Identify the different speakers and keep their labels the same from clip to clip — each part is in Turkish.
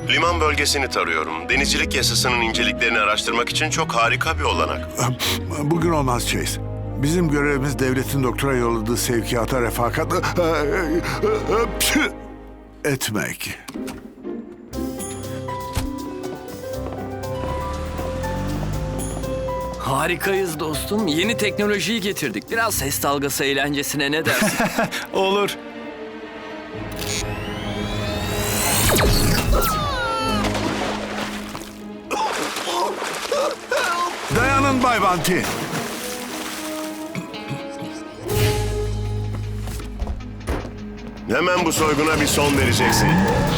Speaker 1: Liman bölgesini tarıyorum. Denizcilik yasasının inceliklerini araştırmak için çok harika bir olanak.
Speaker 2: Bugün olmaz Chase. Bizim görevimiz devletin doktora yolladığı sevkiyata refakat etmek.
Speaker 3: Harikayız dostum. Yeni teknolojiyi getirdik. Biraz ses dalgası eğlencesine ne dersin?
Speaker 4: Olur.
Speaker 2: Dayanın Bay Banti.
Speaker 1: Hemen bu soyguna bir son vereceksin.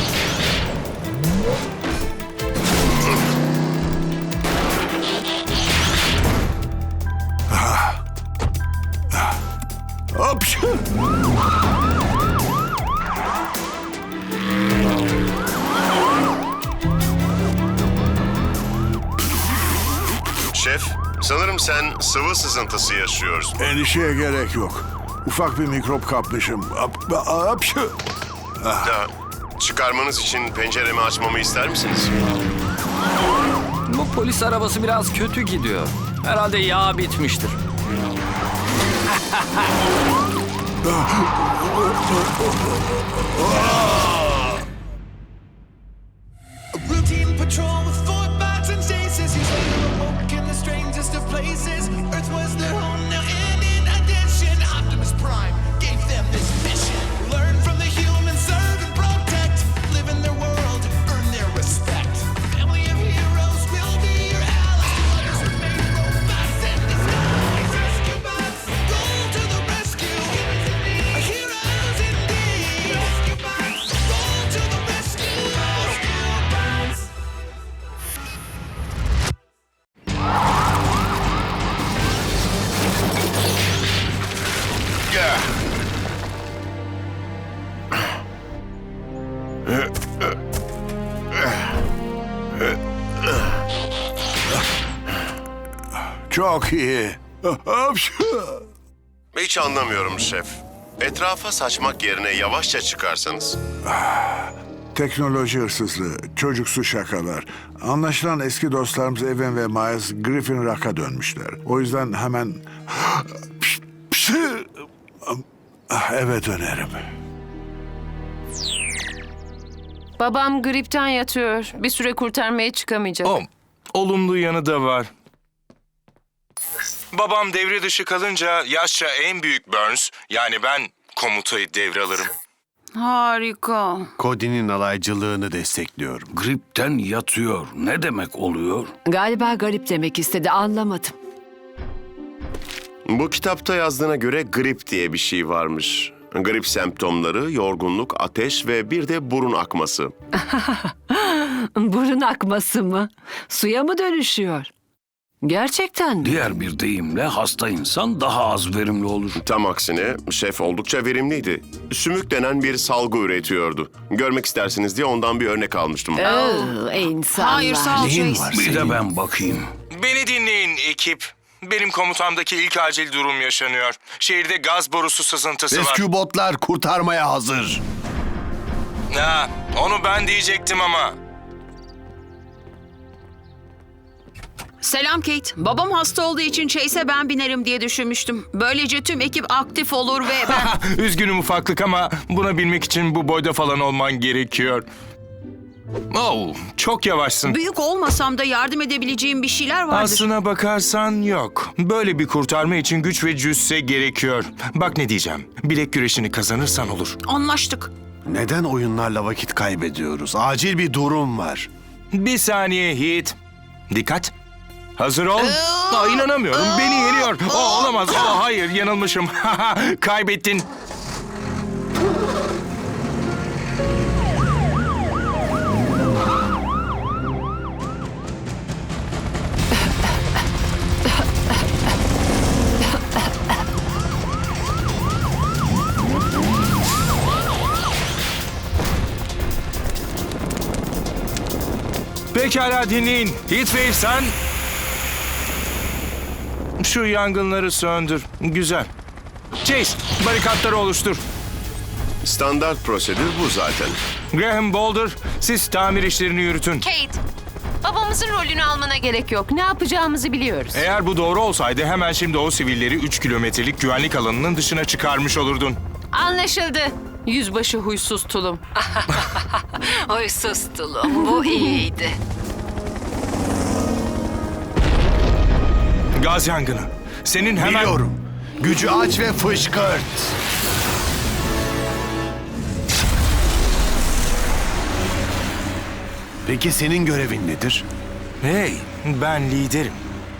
Speaker 2: Hapşu!
Speaker 1: Şef, sanırım sen sıvı sızıntısı yaşıyorsun.
Speaker 2: Endişeye gerek yok. Ufak bir mikrop kapmışım. Hapşu!
Speaker 1: Da, çıkarmanız için penceremi açmamı ister misiniz?
Speaker 3: Bu polis arabası biraz kötü gidiyor. Herhalde yağ bitmiştir.
Speaker 5: Routine patrol with Fort Barton and stasis. He's later awoke in the strangest of places. Earth was their home now, and in addition, Optimus Prime gave them this mission: learn from the humans, serve and protect, live in their world, earn their respect. A family of heroes will be your allies. Others remain robots in disguise. Rescue bots, go to the rescue. Heroes indeed. Rescue bots, go to the rescue. Rescue bots.
Speaker 2: Çok iyi. Hapşu!
Speaker 1: Hiç anlamıyorum şef. Etrafa saçmak yerine yavaşça çıkarsanız.
Speaker 2: Teknoloji hırsızlığı, çocuksu şakalar. Anlaşılan eski dostlarımız Evan ve Miles Griffin Rock'a dönmüşler. O yüzden hemen eve dönerim.
Speaker 6: Babam gripten yatıyor. Bir süre kurtarmaya çıkamayacak.
Speaker 4: Olumlu yanı da var. Babam devre dışı kalınca yaşça en büyük Burns, yani ben komutayı devralırım.
Speaker 6: Harika.
Speaker 7: Cody'nin alaycılığını destekliyorum.
Speaker 8: Gripten yatıyor. Ne demek oluyor?
Speaker 9: Galiba garip demek istedi, anlamadım.
Speaker 1: Bu kitapta yazdığına göre grip diye bir şey varmış. Grip semptomları, yorgunluk, ateş ve bir de burun akması.
Speaker 9: Burun akması mı? Suya mı dönüşüyor? Gerçekten mi?
Speaker 8: Diğer bir deyimle hasta insan daha az verimli olur.
Speaker 1: Tam aksine şef oldukça verimliydi. Sümük denen bir salgı üretiyordu. Görmek istersiniz diye ondan bir örnek almıştım.
Speaker 9: İnsanlar.
Speaker 6: Hayır, sağ ol
Speaker 7: Neyin
Speaker 6: Chase.
Speaker 7: var
Speaker 8: Bir
Speaker 7: senin?
Speaker 8: de ben bakayım.
Speaker 4: Beni dinleyin ekip. Benim komutamdaki ilk acil durum yaşanıyor. Şehirde gaz borusu sızıntısı var.
Speaker 7: Rescue botlar kurtarmaya hazır.
Speaker 4: Ha, onu ben diyecektim ama.
Speaker 10: Selam Kate. Babam hasta olduğu için Chase'e ben binerim diye düşünmüştüm. Böylece tüm ekip aktif olur ve ben...
Speaker 4: Üzgünüm ufaklık ama buna bilmek için bu boyda falan olman gerekiyor. Oh, çok yavaşsın.
Speaker 10: Büyük olmasam da yardım edebileceğim bir şeyler vardır.
Speaker 4: Aslına bakarsan yok. Böyle bir kurtarma için güç ve cüsse gerekiyor. Bak ne diyeceğim. Bilek güreşini kazanırsan olur.
Speaker 10: Anlaştık.
Speaker 7: Neden oyunlarla vakit kaybediyoruz? Acil bir durum var.
Speaker 4: Bir saniye Heath. Dikkat. Hazır ol. İnanamıyorum. Beni yeniyor. Olamaz. Hayır, yanılmışım. Kaybettin. Pekala dinleyin. Heatwave sen... Şu yangınları söndür. Güzel. Chase, barikatları oluştur.
Speaker 1: Standart prosedür bu zaten.
Speaker 4: Graham Boulder, siz tamir işlerini yürütün.
Speaker 6: Kate, babamızın rolünü almana gerek yok. Ne yapacağımızı biliyoruz.
Speaker 4: Eğer bu doğru olsaydı hemen şimdi o sivilleri 3 kilometrelik güvenlik alanının dışına çıkarmış olurdun.
Speaker 6: Anlaşıldı. Yüzbaşı huysuz tulum.
Speaker 9: Huysuz tulum, bu iyiydi.
Speaker 4: Gaz yangını. Senin hemen...
Speaker 7: Biliyorum. Gücü aç ve fışkırt. Peki senin görevin nedir?
Speaker 4: Hey, ben liderim.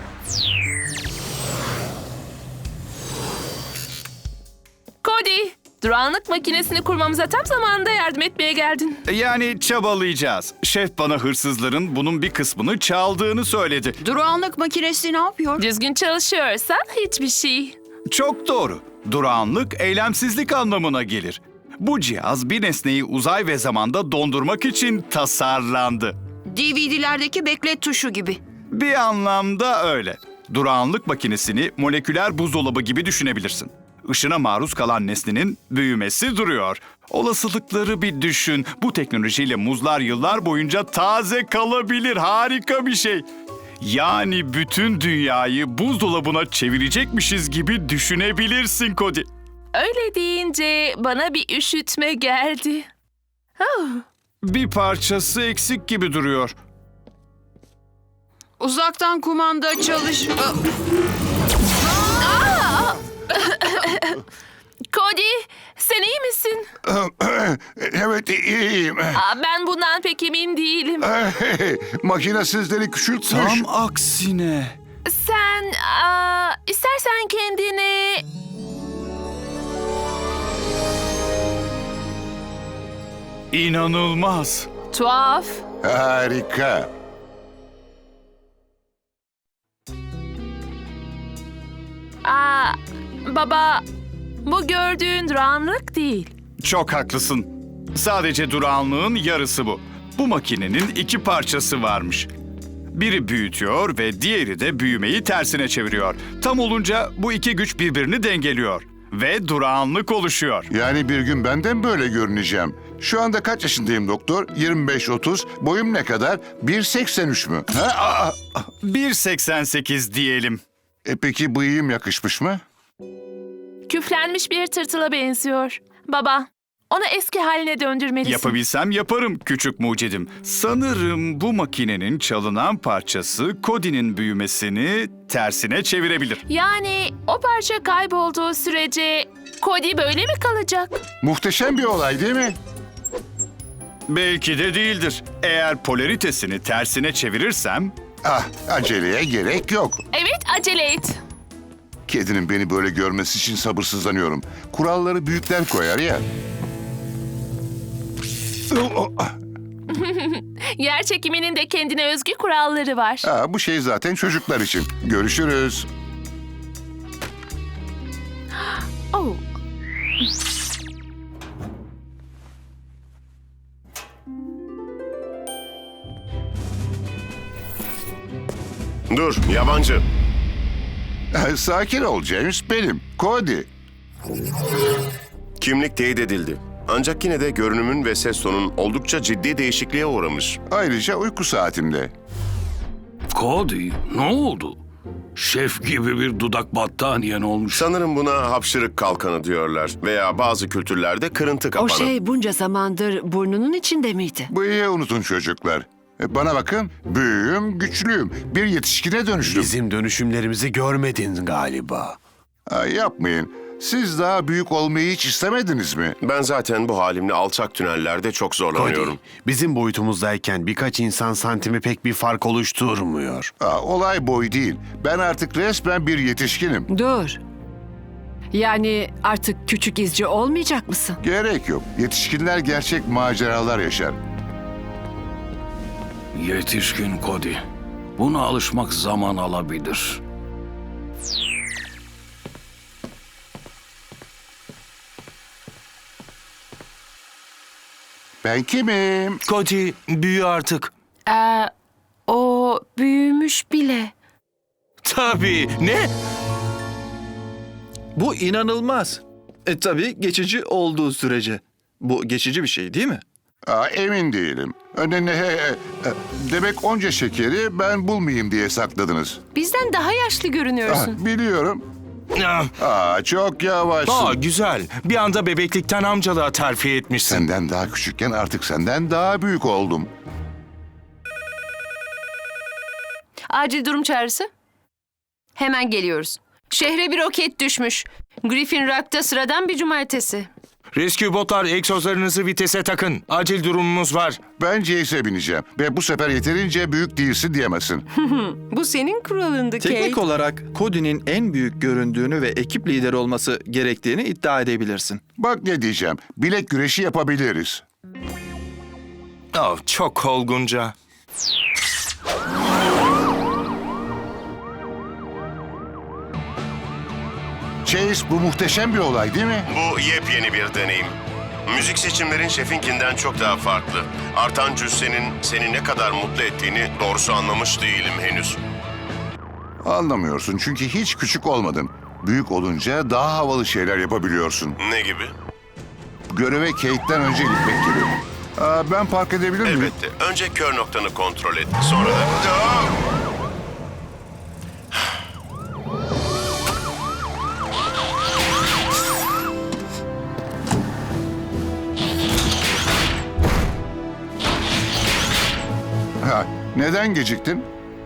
Speaker 11: Cody, durağanlık makinesini kurmamıza tam zamanında yardım etmeye geldin.
Speaker 12: Yani çabalayacağız. Şef bana hırsızların bunun bir kısmını çaldığını söyledi.
Speaker 10: Durağanlık makinesi ne yapıyor?
Speaker 11: Düzgün çalışıyorsa hiçbir şey.
Speaker 12: Çok doğru. Durağanlık eylemsizlik anlamına gelir. Bu cihaz bir nesneyi uzay ve zamanda dondurmak için tasarlandı.
Speaker 10: DVD'lerdeki beklet tuşu gibi.
Speaker 12: Bir anlamda öyle. Durağanlık makinesini moleküler buzdolabı gibi düşünebilirsin. Işına maruz kalan nesnenin büyümesi duruyor. Olasılıkları bir düşün. Bu teknolojiyle muzlar yıllar boyunca taze kalabilir. Harika bir şey. Yani bütün dünyayı buzdolabına çevirecekmişiz gibi düşünebilirsin Cody.
Speaker 11: Öyle deyince bana bir üşütme geldi.
Speaker 12: Bir parçası eksik gibi duruyor.
Speaker 10: Uzaktan kumanda çalış...
Speaker 11: Cody, sen iyi misin?
Speaker 2: Evet, iyiyim.
Speaker 11: Ben bundan pek emin değilim.
Speaker 2: Makine sizleri küçültmüş.
Speaker 12: Tam aksine.
Speaker 11: Sen istersen kendini...
Speaker 12: İnanılmaz.
Speaker 11: Tuhaf.
Speaker 2: Harika.
Speaker 11: Baba, bu gördüğün durağanlık değil.
Speaker 12: Çok haklısın. Sadece durağanlığın yarısı bu. Bu makinenin iki parçası varmış. Biri büyütüyor ve diğeri de büyümeyi tersine çeviriyor. Tam olunca bu iki güç birbirini dengeliyor. Ve durağanlık oluşuyor.
Speaker 2: Yani bir gün ben de mi böyle görüneceğim? Şu anda kaç yaşındayım doktor? 25-30. Boyum ne kadar? 1.83 mü?
Speaker 12: 1.88 diyelim.
Speaker 2: Peki bıyığım yakışmış mı?
Speaker 11: Küflenmiş bir tırtıla benziyor. Baba, onu eski haline döndürmelisin.
Speaker 12: Yapabilsem yaparım küçük mucidim. Sanırım bu makinenin çalınan parçası Cody'nin büyümesini tersine çevirebilir.
Speaker 11: Yani o parça kaybolduğu sürece Cody böyle mi kalacak?
Speaker 2: Muhteşem bir olay değil mi?
Speaker 12: Belki de değildir. Eğer polaritesini tersine çevirirsem...
Speaker 2: Aceleye gerek yok.
Speaker 11: Evet, acele et.
Speaker 2: Kedinin beni böyle görmesi için sabırsızlanıyorum. Kuralları büyükler koyar ya.
Speaker 11: Yer çekiminin de kendine özgü kuralları var.
Speaker 2: Bu şey zaten çocuklar için. Görüşürüz.
Speaker 11: Oh.
Speaker 1: Dur, yabancı.
Speaker 2: Sakin ol James, benim. Cody.
Speaker 1: Kimlik teyit edildi. Ancak yine de görünümün ve ses tonun oldukça ciddi değişikliğe uğramış.
Speaker 2: Ayrıca uyku saatimde.
Speaker 8: Cody, ne oldu? Şef gibi bir dudak battaniyen olmuş.
Speaker 1: Sanırım buna hapşırık kalkanı diyorlar veya bazı kültürlerde kırıntı kapanı.
Speaker 9: O şey bunca zamandır burnunun içinde miydi?
Speaker 2: Bıyığı unutun çocuklar. Bana bakın, büyüğüm, güçlüyüm. Bir yetişkine dönüştüm.
Speaker 7: Bizim dönüşümlerimizi görmedin galiba.
Speaker 2: Yapmayın. Siz daha büyük olmayı hiç istemediniz mi?
Speaker 1: Ben zaten bu halimle alçak tünellerde çok zorlanıyorum.
Speaker 7: Cody, bizim boyutumuzdayken birkaç insan santimi pek bir fark oluşturmuyor.
Speaker 2: Olay boy değil. Ben artık resmen bir yetişkinim.
Speaker 9: Dur. Yani artık küçük izci olmayacak mısın?
Speaker 2: Gerek yok. Yetişkinler gerçek maceralar yaşar.
Speaker 8: Yetişkin Cody. Buna alışmak zaman alabilir.
Speaker 2: Ben kimim?
Speaker 4: Cody, büyü artık.
Speaker 6: O büyümüş bile.
Speaker 4: Tabii. Ne?
Speaker 13: Bu inanılmaz. Tabii geçici olduğu sürece. Bu geçici bir şey değil mi?
Speaker 14: Emin değilim. Demek onca şekeri ben bulmayayım diye sakladınız.
Speaker 6: Bizden daha yaşlı görünüyorsun.
Speaker 14: Biliyorum. Çok yavaşsın.
Speaker 4: Güzel. Bir anda bebeklikten amcalığa terfi etmişsin.
Speaker 14: Senden daha küçükken artık senden daha büyük oldum.
Speaker 6: Acil durum çağrısı. Hemen geliyoruz. Şehre bir roket düşmüş. Griffin Rock'ta sıradan bir cumartesi.
Speaker 4: Rescue botlar, egzozlarınızı vitese takın. Acil durumumuz var.
Speaker 14: Ben Jace'e bineceğim ve bu sefer yeterince büyük değilsin diyemezsin.
Speaker 6: Bu senin kuralındı Kate.
Speaker 13: Teknik olarak Cody'nin en büyük göründüğünü ve ekip lideri olması gerektiğini iddia edebilirsin.
Speaker 14: Bak ne diyeceğim. Bilek güreşi yapabiliriz.
Speaker 4: Çok olgunca.
Speaker 14: Chase, bu muhteşem bir olay değil mi?
Speaker 1: Bu yepyeni bir deneyim. Müzik seçimlerin şefinkinden çok daha farklı. Artan cüssenin seni ne kadar mutlu ettiğini doğrusu anlamış değilim henüz.
Speaker 14: Anlamıyorsun çünkü hiç küçük olmadın. Büyük olunca daha havalı şeyler yapabiliyorsun.
Speaker 1: Ne gibi?
Speaker 14: Göreve Kate'den önce gitmek gibi. Ben park edebilir miyim?
Speaker 1: Elbette. Önce kör noktanı kontrol et. Sonra da...
Speaker 14: Neden geciktin?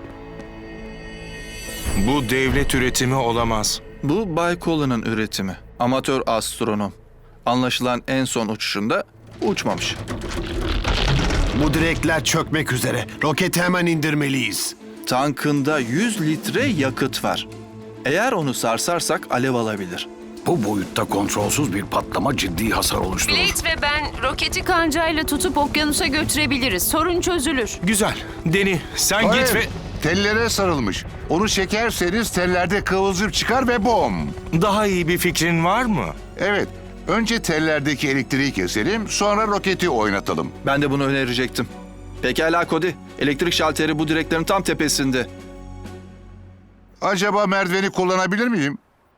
Speaker 4: Bu devlet üretimi olamaz.
Speaker 13: Bu Bay Colin'in üretimi. Amatör astronom. Anlaşılan en son uçuşunda uçmamış.
Speaker 7: Bu direkler çökmek üzere. Roketi hemen indirmeliyiz.
Speaker 13: Tankında 100 litre yakıt var. Eğer onu sarsarsak alev alabilir.
Speaker 8: Bu boyutta kontrolsüz bir patlama ciddi hasar oluşturur.
Speaker 6: Blade ve ben roketi kancayla tutup okyanusa götürebiliriz. Sorun çözülür.
Speaker 4: Güzel. Deni, sen
Speaker 14: Hayır,
Speaker 4: git ve...
Speaker 14: tellere sarılmış. Onu çekerseniz tellerde kıvılcım çıkar ve bom.
Speaker 4: Daha iyi bir fikrin var mı?
Speaker 14: Evet. Önce tellerdeki elektriği keselim, sonra roketi oynatalım.
Speaker 13: Ben de bunu önerecektim. Pekala Cody. Elektrik şalteri bu direklerin tam tepesinde.
Speaker 14: Acaba merdiveni kullanabilir miyim?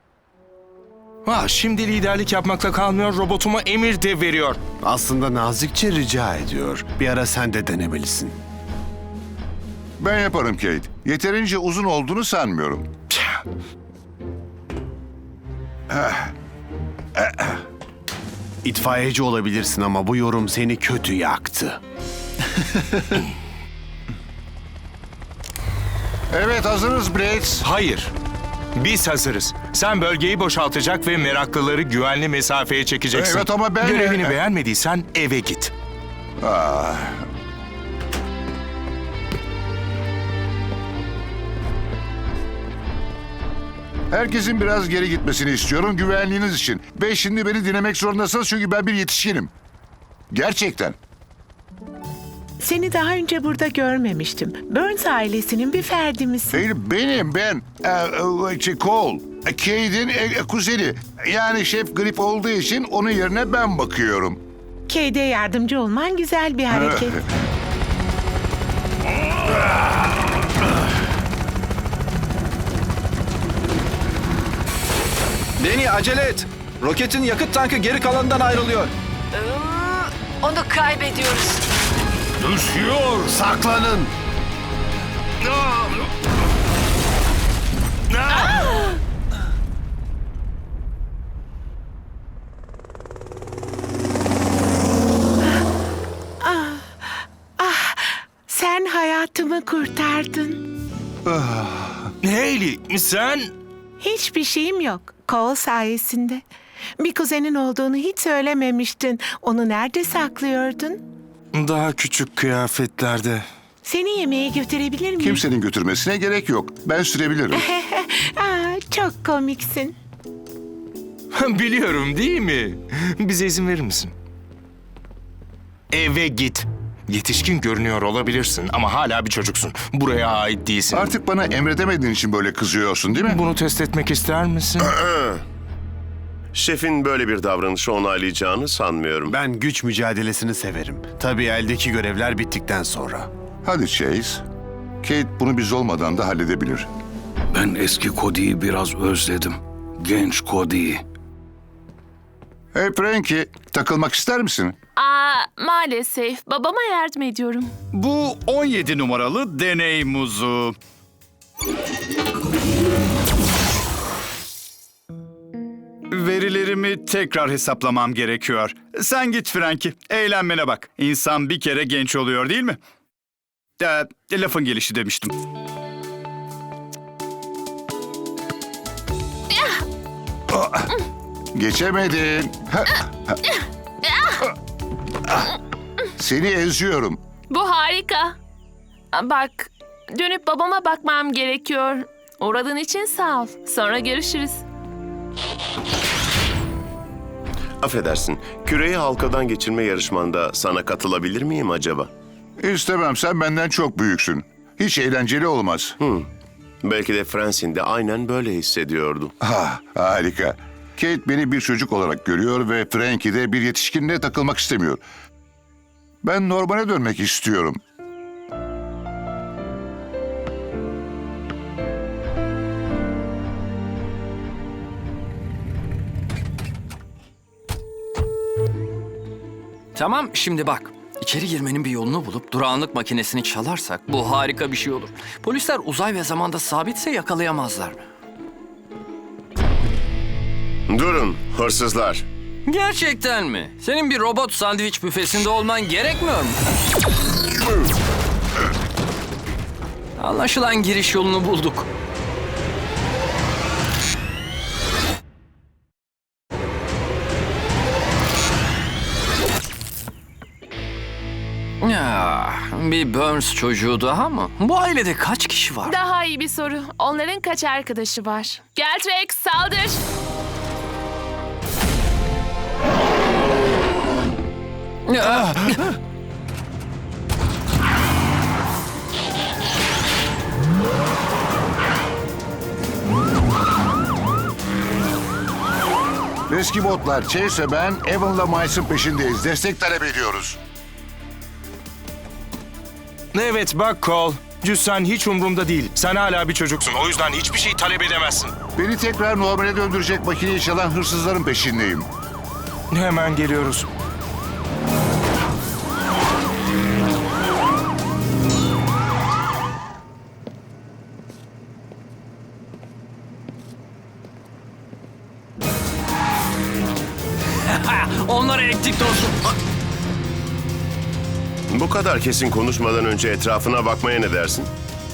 Speaker 4: Şimdi liderlik yapmakla kalmıyor, robotuma emir de veriyor.
Speaker 7: Aslında nazikçe rica ediyor. Bir ara sen de denemelisin.
Speaker 14: Ben yaparım Kate. Yeterince uzun olduğunu sanmıyorum.
Speaker 7: İtfaiyeci olabilirsin ama bu yorum seni kötü yaktı.
Speaker 14: Evet, hazırız Blades.
Speaker 4: Hayır. Biz hazırız. Sen bölgeyi boşaltacak ve meraklıları güvenli mesafeye çekeceksin.
Speaker 14: Evet ama ben...
Speaker 4: Görevini beğenmediysen eve git.
Speaker 14: Herkesin biraz geri gitmesini istiyorum güvenliğiniz için. Ve şimdi beni dinlemek zorundasınız çünkü ben bir yetişkinim. Gerçekten.
Speaker 15: Seni daha önce burada görmemiştim. Burns ailesinin bir ferdi misin?
Speaker 14: Ben. Cole. Kate'in kuzeni. Yani Şef Grip olduğu için onun yerine ben bakıyorum.
Speaker 15: Kate'e yardımcı olman güzel bir hareket.
Speaker 13: Deni acele et. Roketin yakıt tankı geri kalanından ayrılıyor.
Speaker 9: Onu kaybediyoruz.
Speaker 8: Düşüyor.
Speaker 7: Saklanın.
Speaker 15: Sen hayatımı kurtardın.
Speaker 4: Hayley, sen...
Speaker 15: Hiçbir şeyim yok. Cole sayesinde. Bir kuzenin olduğunu hiç söylememiştin. Onu nerede saklıyordun?
Speaker 4: Daha küçük kıyafetlerde.
Speaker 15: Seni yemeğe götürebilir miyim?
Speaker 14: Kimsenin götürmesine gerek yok. Ben sürebilirim.
Speaker 15: Çok komiksin.
Speaker 4: Biliyorum değil mi? Bize izin verir misin? Eve git. Yetişkin görünüyor olabilirsin ama hala bir çocuksun. Buraya ait değilsin.
Speaker 14: Artık bana emredemediğin için böyle kızıyorsun değil mi?
Speaker 4: Bunu test etmek ister misin?
Speaker 1: Şefin böyle bir davranışı onaylayacağını sanmıyorum.
Speaker 7: Ben güç mücadelesini severim. Tabii eldeki görevler bittikten sonra.
Speaker 14: Hadi Chase. Kate bunu biz olmadan da halledebilir.
Speaker 8: Ben eski Cody'yi biraz özledim. Genç Cody'yi.
Speaker 14: Hey Frankie, takılmak ister misin?
Speaker 11: Maalesef babama yardım ediyorum.
Speaker 12: Bu 17 numaralı deney muzu. Verilerimi tekrar hesaplamam gerekiyor. Sen git Frankie, eğlenmene bak. İnsan bir kere genç oluyor değil mi? Lafın gelişi demiştim.
Speaker 14: Geçemedin. Seni eziyorum.
Speaker 11: Bu harika. Bak, dönüp babama bakmam gerekiyor. Uğradığın için sağ ol. Sonra görüşürüz.
Speaker 1: Affedersin, küreyi halkadan geçirme yarışmanda sana katılabilir miyim acaba?
Speaker 14: İstemem, sen benden çok büyüksün. Hiç eğlenceli olmaz.
Speaker 1: Belki de Francine de aynen böyle hissediyordu.
Speaker 14: Harika. Kate beni bir çocuk olarak görüyor ve Frankie de bir yetişkinle takılmak istemiyor. Ben normale dönmek istiyorum.
Speaker 3: Tamam, şimdi bak. İçeri girmenin bir yolunu bulup durağanlık makinesini çalarsak bu harika bir şey olur. Polisler uzay ve zamanda sabitse yakalayamazlar.
Speaker 1: Durun, hırsızlar.
Speaker 3: Gerçekten mi? Senin bir robot sandviç büfesinde olman gerekmiyor mu? Anlaşılan giriş yolunu bulduk. Ya, bir Burns çocuğu daha mı? Bu ailede kaç kişi var?
Speaker 11: Daha iyi bir soru. Onların kaç arkadaşı var? Gel Rex, saldır.
Speaker 14: Eski botlar, Chase ve ben Evan'la Miles'ın peşindeyiz. Destek talep ediyoruz.
Speaker 4: Evet bak Cole. Cüssen hiç umurumda değil. Sen hala bir çocuksun. O yüzden hiçbir şey talep edemezsin.
Speaker 14: Beni tekrar normale döndürecek makineyi çalan hırsızların peşindeyim.
Speaker 4: Hemen geliyoruz.
Speaker 3: Onları ektik dostum.
Speaker 1: Bu kadar kesin konuşmadan önce etrafına bakmaya ne dersin?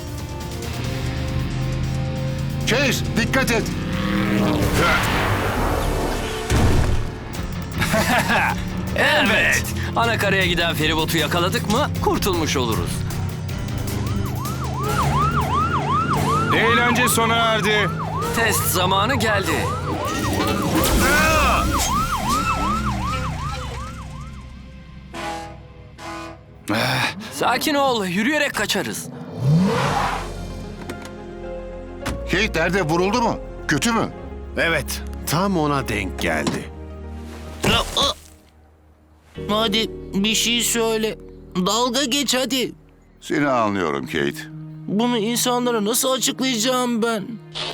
Speaker 14: Chase, dikkat et.
Speaker 3: Evet. Anakaraya giden feribotu yakaladık mı kurtulmuş oluruz.
Speaker 4: Eğlence sona erdi.
Speaker 3: Test zamanı geldi. Sakin ol, yürüyerek kaçarız.
Speaker 14: Kate nerede, vuruldu mu? Kötü mü?
Speaker 7: Evet, tam ona denk geldi.
Speaker 16: Hadi bir şey söyle. Dalga geç hadi.
Speaker 14: Seni anlıyorum Kate.
Speaker 16: Bunu insanlara nasıl açıklayacağım ben?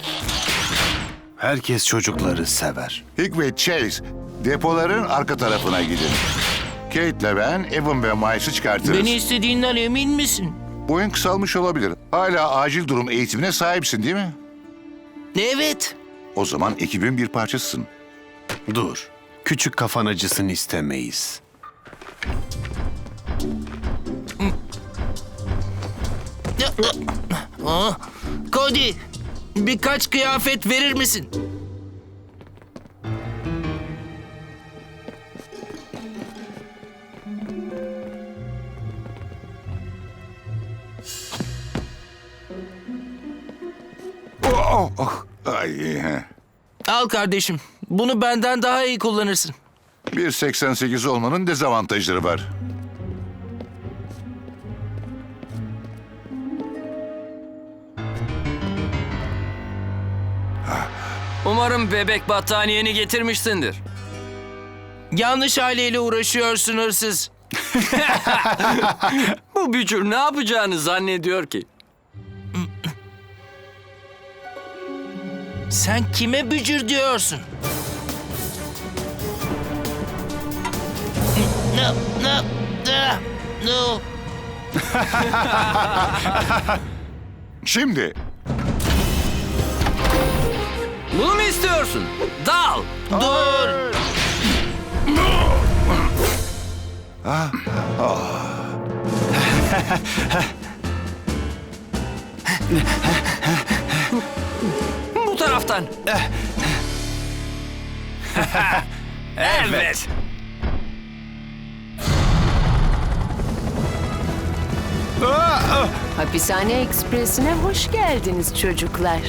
Speaker 7: Herkes çocukları sever.
Speaker 14: Hick ve Chase, depoların arka tarafına gidin. Kate'le ben Evan ve Miles'ı çıkartırız.
Speaker 16: Beni istediğinden emin misin?
Speaker 14: Boyun kısalmış olabilir. Hala acil durum eğitimine sahipsin değil mi?
Speaker 16: Evet.
Speaker 14: O zaman ekibin bir parçasısın.
Speaker 7: Dur, küçük kafan acısını istemeyiz.
Speaker 16: Cody, birkaç kıyafet verir misin?
Speaker 14: Ay,
Speaker 16: Al kardeşim. Bunu benden daha iyi kullanırsın.
Speaker 14: 1.88 olmanın dezavantajları var.
Speaker 3: Umarım bebek battaniyeni getirmişsindir.
Speaker 16: Yanlış aileyle uğraşıyorsun hırsız.
Speaker 3: Bu bücür ne yapacağını zannediyor ki?
Speaker 16: Sen kime bücür diyorsun? No.
Speaker 14: Şimdi
Speaker 3: Bunu mu istiyorsun? Dal.
Speaker 16: Dur.
Speaker 3: Bu taraftan. Evet.
Speaker 6: Hapishane Ekspresi'ne hoş geldiniz çocuklar.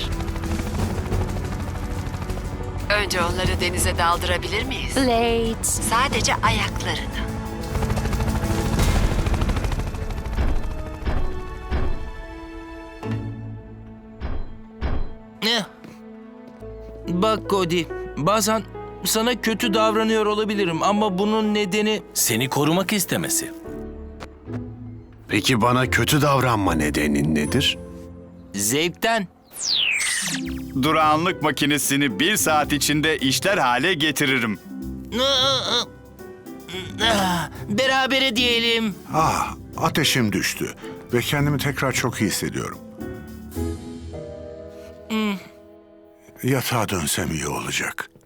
Speaker 9: Önce onları denize daldırabilir miyiz?
Speaker 6: Late.
Speaker 9: Sadece ayaklarını.
Speaker 16: Bak Cody, bazen sana kötü davranıyor olabilirim ama bunun nedeni seni korumak istemesi.
Speaker 7: Peki bana kötü davranma nedenin nedir?
Speaker 16: Zevkten.
Speaker 12: Durağanlık makinesini 1 saat içinde işler hale getiririm.
Speaker 16: Berabere diyelim.
Speaker 2: Ateşim düştü ve kendimi tekrar çok iyi hissediyorum. Yatağa dönsem iyi olacak.